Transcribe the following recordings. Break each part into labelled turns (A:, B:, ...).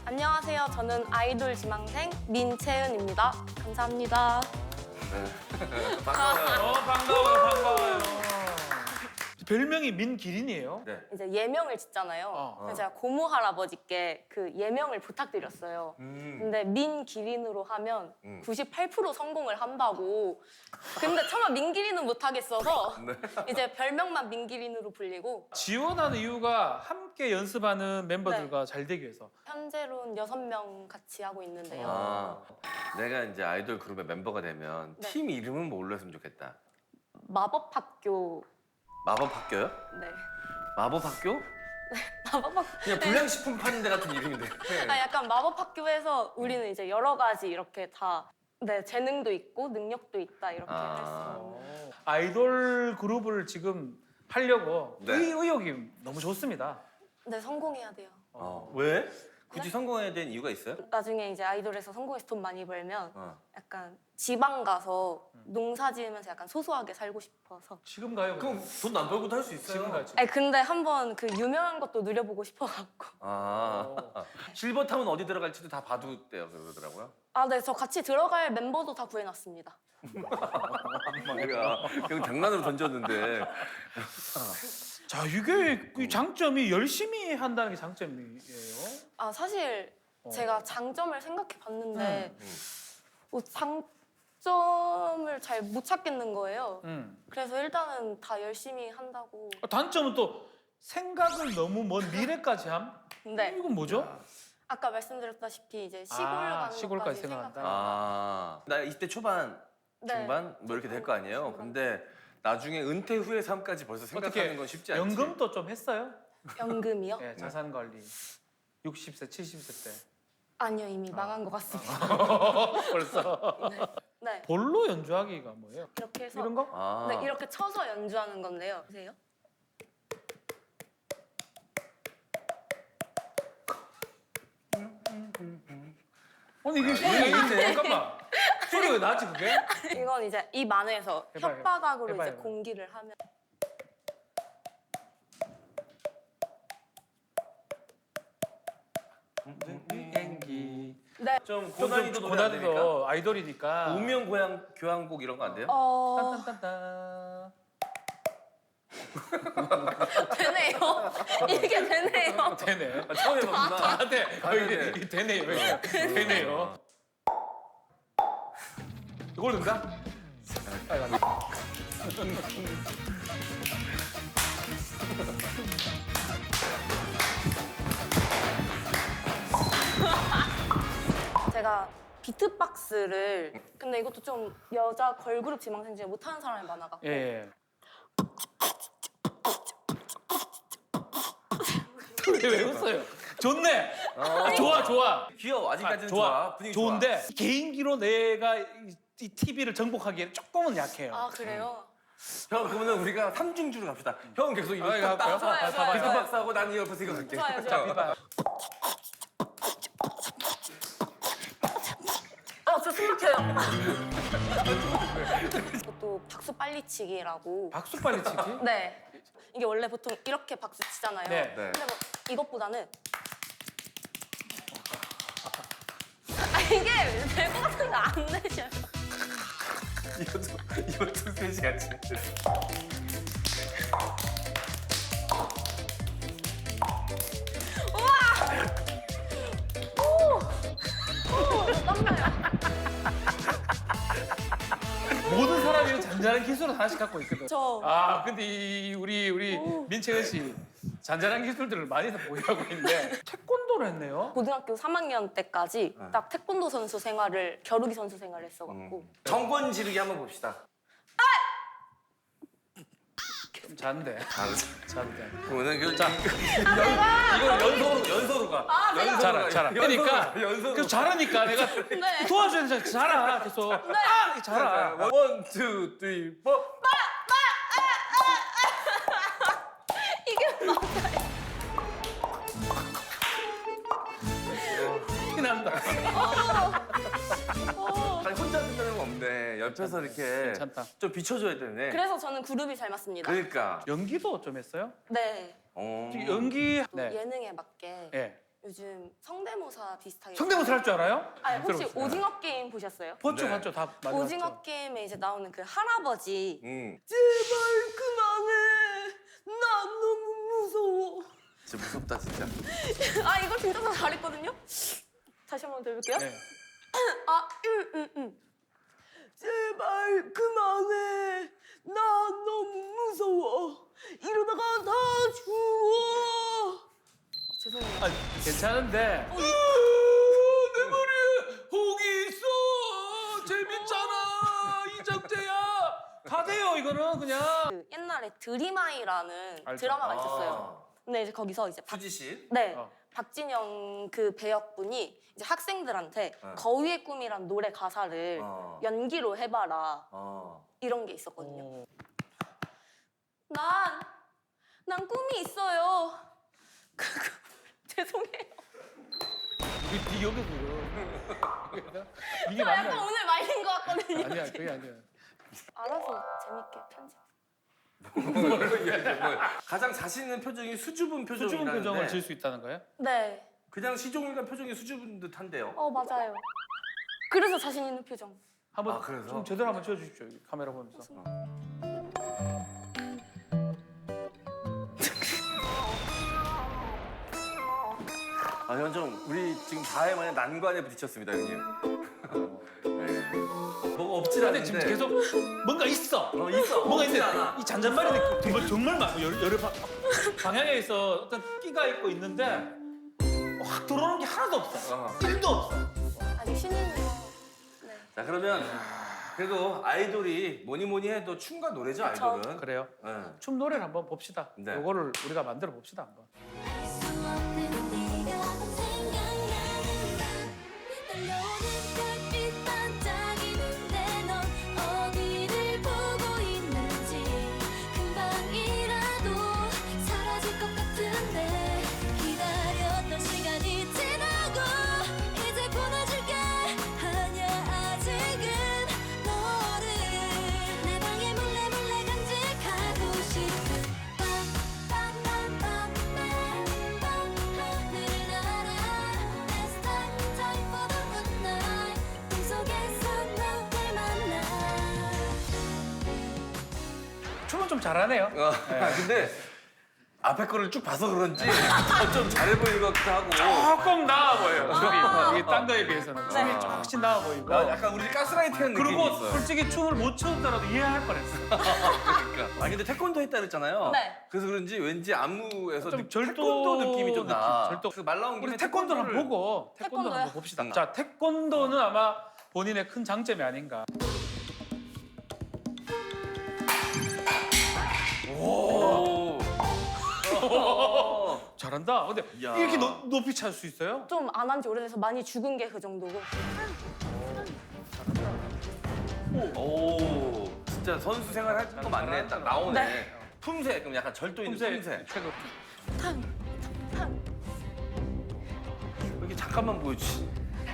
A: 안녕하세요. 저는 아이돌 지망생 민채은입니다. 감사합니다.
B: 반가워요. 반가워요. 별명이 민기린이에요?
C: 네.
A: 이제 예명을 짓잖아요. 그래서 제가 고모 할아버지께 그 예명을 부탁드렸어요. 근데 민기린으로 하면 98% 성공을 한다고. 근데 차마 민기린은 못하겠어서 이제 별명만 민기린으로 불리고
B: 지원하는 이유가 함께 연습하는 멤버들과 잘 되기 위해서.
A: 현재로는 6명 같이 하고 있는데요.
C: 아, 내가 이제 아이돌 그룹의 멤버가 되면
A: 네.
C: 팀 이름은 뭘로 했으면 좋겠다.
A: 마법학교.
C: 마법학교요?
A: 네.
C: 마법학교?
A: 마법학교.
C: 그냥 불량식품파는 같은 이름인데.
A: 아, 약간 마법학교에서 우리는 이제 여러 가지 이렇게 다 재능도 있고 능력도 있다 이렇게 할 수 있는.
B: 아이돌 그룹을 지금 하려고
C: 네.
B: 의욕이 너무 좋습니다.
A: 네, 성공해야 돼요.
C: 왜? 굳이 성공해야 되는 이유가 있어요?
A: 나중에 이제 아이돌에서 성공해서 돈 많이 벌면 약간 지방 가서
C: 음.
A: 농사 지으면서 약간 소소하게 살고 싶어서.
B: 지금 가요.
C: 그럼 돈 안 벌고도 할 수 있어요.
B: 지금 가요. 지금.
A: 아니 근데 한번 그 유명한 것도 누려보고 싶어갖고.
C: 실버타운 어디 들어갈지도 다 봐두대요 그러더라고요.
A: 아, 네, 저 같이 들어갈 멤버도 다 구해놨습니다.
C: 그냥 장난으로 던졌는데.
B: 자, 이게 이 장점이 열심히 한다는 게 장점이에요.
A: 아, 사실 제가 장점을 생각해봤는데 장점을 잘 못 찾겠는 거예요. 그래서 일단은 다 열심히 한다고.
B: 단점은 또 생각을 너무 먼 미래까지 함?
A: 근데
B: 이건 뭐죠?
A: 아까 말씀드렸다시피 이제 시골 가는
B: 시골까지
A: 것까지
B: 생각한다.
C: 나 20대 초반,
A: 네.
C: 중반 뭐 이렇게 될 거 아니에요. 근데 나중에 은퇴 후의 삶까지 벌써 생각하는 건 쉽지 않지.
B: 연금도 좀 했어요?
A: 연금이요?
B: 네, 자산 관리. 60세, 70세 때.
A: 아니요, 이미 망한 것 같습니다.
B: 벌써.
A: 네,
B: 볼로 연주하기가 뭐예요?
A: 이렇게 해서
B: 이런 거?
A: 네, 이렇게 쳐서 연주하는 건데요. 보세요.
B: 아니 이게 소리가 잠깐만. 소리가 왜 나지 그게?
A: 이건 이제 입 안에서
B: 해봐요.
A: 혓바닥으로
B: 해봐요.
A: 이제 공기를 하면.
B: 비행기.
A: 네.
C: 좀 고난이도 노래 안 됩니까?
B: 고난이도 아이돌이니까.
C: 운명 고향 교향곡 이런 거 안 돼요?
B: 딴딴딴딴.
A: 되네요. 이게 되네요.
B: 되네.
C: 처음 해봤구나.
B: 아, 네.
C: 되네.
B: 이게 되네요. 되네요. 이걸 넣는다?
A: 제가 비트박스를 근데 이것도 좀 여자 걸그룹 지망생 중에 못하는 사람이 많아갖고
B: 예. 왜 웃어요? 좋네. 좋아.
C: 귀여워. 아직까지는
B: 좋아.
C: 좋아. 분위기
B: 좋은데 개인기로 내가 이 TV를 정복하기에는 조금은 약해요.
A: 아, 그래요?
C: 좋아. 형 그러면 우리가 삼중주로 갑시다. 형 계속 이거
B: 아, 이거 할까요?
A: 좋아요, 좋아요.
C: 비트박스하고 난 이 옆에서 이거 할게.
A: 좋아요, 좋아요.
B: 비바.
A: 저 숨막혀요. 이것도 박수 빨리치기라고.
B: 박수 빨리 치기?
A: 네. 이게 원래 보통 이렇게 박수 치잖아요.
B: 네.
A: 근데 뭐 이것보다는 이게 될 것 같은데 안 되셔요.
C: 이것도 3시 같이.
B: 모든 사람이 잔잔한 기술을 하나씩 갖고 있거든.
A: 저
B: 근데 우리 민채은 씨 잔잔한 기술들을 많이 보유하고 있는데 태권도를 했네요.
A: 고등학교 3학년 때까지 딱 태권도 선수 생활을 겨루기 선수 생활을 했어갖고
C: 정권 지르기 한번 봅시다.
B: 좀 잔데. 잔데.
C: 오늘 이거 연서로 가.
B: 잘하. 그러니까
C: 연서로.
B: 계속 잘하니까 내가
A: 네.
B: 도와줘야 돼. 잘하. 계속. 잘하.
C: 원, 투, 쓰리, 포.
A: 이게 맞아요.
B: 티난다.
C: 아니 혼자 듣는 건 없네. 옆에서 이렇게
B: 괜찮다.
C: 좀 비춰줘야 되네.
A: 그래서 저는 그룹이 잘 맞습니다.
C: 그러니까.
B: 연기도 좀 했어요?
A: 네.
C: 어.
B: 연기
A: 또 예능에 맞게
B: 예.
A: 요즘 성대모사 비슷하게.
B: 성대모사 할 줄 알아요?
A: 아니, 혹시
B: 들어보세요.
A: 오징어 게임 보셨어요?
B: 봤죠,
C: 네.
B: 봤죠. 다 많이
A: 오징어
B: 봤죠.
A: 게임에 이제 나오는 그 할아버지.
C: 제발
A: 그만해. 난 너무 무서워.
C: 진짜 무섭다 진짜.
A: 아, 이거 진짜 다 잘했거든요? 다시 한번 들어볼게요.
B: 네.
A: 아, 제발 그만해. 난 너무 무서워. 이러다가 다 죽어. 죄송해요.
B: 아, 괜찮은데. 내 머리에 혹이 있어. 재밌잖아. 이정재야. 다 돼요, 이거는 그냥.
A: 그 옛날에 드림아이라는
B: 알죠.
A: 드라마가 있었어요. 근데 이제 거기서 이제
C: 수지 씨.
A: 네.
B: 어.
A: 박진영 그 배역분이 이제 학생들한테 거위의 꿈이란 노래 가사를 연기로 해봐라 이런 게 있었거든요.
B: 어.
A: 난 꿈이 있어요. 죄송해요.
B: 이게 여기서 이거. 이게
A: 저 약간
B: 맞나?
A: 오늘 말린 것 같거든요.
B: 아니야, 그게 아니야.
A: 알아서 재밌게 편집.
C: 가장 자신 있는 표정이 수줍은 표정이라는데
B: 수줍은 표정을 지을 수 있다는 거예요?
A: 네.
C: 그냥 시종일관 표정이 수줍은 듯한데요.
A: 맞아요. 그래서 자신 있는 표정.
B: 한번
C: 아, 그래서?
B: 좀 제대로 한번 찍어주십시오. 여기 카메라 보면서.
C: 아, 현정, 우리 지금 다혜만의 난관에 부딪혔습니다, 형님. 네. 뭐가 없질
B: 근데
C: 않은데.
B: 지금 계속 뭔가 있어.
C: 있어.
B: 뭔가
C: 없질
B: 있는데
C: 않아.
B: 이 잔잔바리 느낌 정말 많고 여러 방향에 있어 어떤 끼가 있고 있는데 확 들어오는 게 하나도 없어. 1도 없어.
A: 아직 신인이요. 네.
C: 자, 그러면 그래도 아이돌이 뭐니 해도 춤과 노래죠,
A: 그쵸.
C: 아이돌은.
B: 그래요.
C: 네.
B: 춤 노래를 한번 봅시다.
C: 네.
B: 요거를 우리가 만들어 봅시다 한번.
D: 수 없는 네가 생각나는 밤 떨려오는 별빛 반짝이는데 넌 어디를 보고 있는지 금방이라도 사라질 것 같은데 기다렸던 시간이 지나고 이제 보내줄게 아냐 아직은 너를 내 방에 몰래 간직하고 싶은 밤 하늘을 날아 It's time for the good night 꿈속에서 너를 만나
B: 춤은 좀 잘하네요.
C: 근데 앞에 거를 쭉 봐서 그런지 좀 잘해 보이는 것 같기도 하고.
B: 조금 나아 보여요. 저기 딴 거에 비해서는 춤이 훨씬 나아 보이고.
C: 약간 우리 가스라이팅한 느낌이
B: 그리고
C: 있어요.
B: 솔직히 춤을 못 췄더라도 이해할 뻔했어.
C: 그러니까. 아니 근데 태권도 했다 그랬잖아요.
A: 네.
C: 그래서 그런지 왠지 안무에서
B: 좀
C: 태권도 느낌이 좀 나.
B: 절도.
C: 그말 나온 김에
B: 우리 태권도를 한번 보고 태권도
A: 태권도요?
B: 한번 봅시다. 자, 태권도는 아마 본인의 큰 장점이 아닌가.
C: 오.
B: 잘한다. 근데
C: 야.
B: 이렇게 높이 찰 수 있어요?
A: 좀 안 한 지 오래돼서 많이 죽은 게 그 정도고.
C: 오. 진짜 선수 생활 할 거 맞네. 딱 나오네.
A: 네.
C: 품새 그럼 약간 절도 있는 품새.
B: 최고.
C: 여기 잠깐만 보여주지.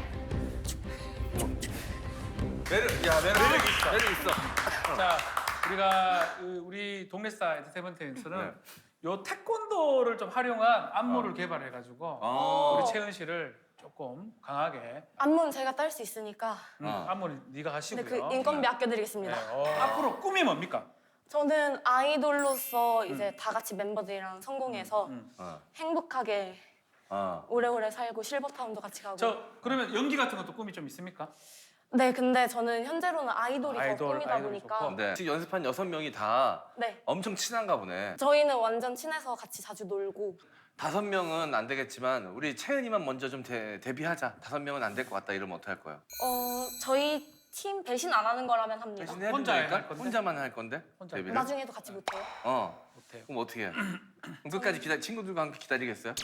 C: 매력 있어. 매력 있어.
B: 자, 우리가 우리 동네스타 엔터테인먼트에서는
C: 네.
B: 요 태권도를 좀 활용한 안무를 개발해가지고 우리 채은 씨를 조금 강하게
A: 안무는 제가 딸 수 있으니까.
B: 안무는 네가 하시고요.
A: 근데 그 인건비 아껴드리겠습니다.
B: 네. 앞으로 꿈이 뭡니까?
A: 저는 아이돌로서 이제 다 같이 멤버들이랑 성공해서 행복하게 오래오래 살고 실버타운도 같이 가고.
B: 저 그러면 연기 같은 것도 꿈이 좀 있습니까?
A: 네, 근데 저는 현재로는 아이돌이 더
B: 아이돌,
A: 꿈이다
B: 아이돌이
A: 보니까.
B: 좋고.
C: 네. 지금 연습한 6명이 다
A: 네.
C: 엄청 친한가 보네.
A: 저희는 완전 친해서 같이 자주 놀고.
C: 5명은 안 되겠지만 우리 채은이만 먼저 좀 데뷔하자. 5명은 안 될 것 같다 이러면 어떡할 거예요?
A: 저희 팀 배신 안 하는 거라면 합니다.
C: 대신 해야
B: 혼자
C: 된다니까?
B: 할 건데?
C: 혼자만 할 건데?
B: 혼자.
C: 데뷔를?
A: 나중에도 같이 못해요?
B: 못해요.
C: 그럼 어떻게 해? 그럼 끝까지 친구들과 함께 기다리겠어요?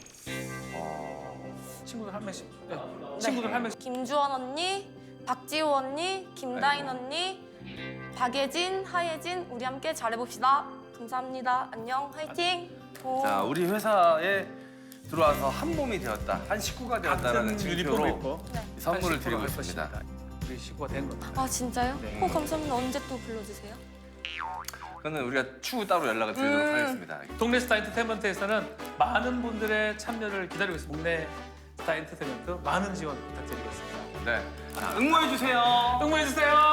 B: 친구들 한 명씩. 네. 친구들 한 명씩.
A: 김주원 언니, 박지호 언니, 김다인 언니, 박예진, 하예진 우리 함께 잘해봅시다. 감사합니다. 안녕, 화이팅.
C: 자, 우리 회사에 들어와서 한 몸이 되었다, 한 식구가 되었다라는
B: 같은 유니폼을
C: 증표로
B: 입고
A: 네.
C: 선물을
B: 한
C: 드리고
B: 식구로 할
C: 있습니다.
B: 것입니다. 우리 식구가 된 겁니다.
A: 아 진짜요?
B: 네.
A: 감사합니다. 언제 또 불러주세요?
C: 그거는 우리가 추후 따로 연락을 드리도록 하겠습니다.
B: 동네 스타 엔터테인먼트에서는 많은 분들의 참여를 기다리고 있습니다. 동네 스타 엔터테인먼트 많은 지원 부탁드리겠습니다.
C: 네. 자, 응모해 주세요.
B: 응원해주세요.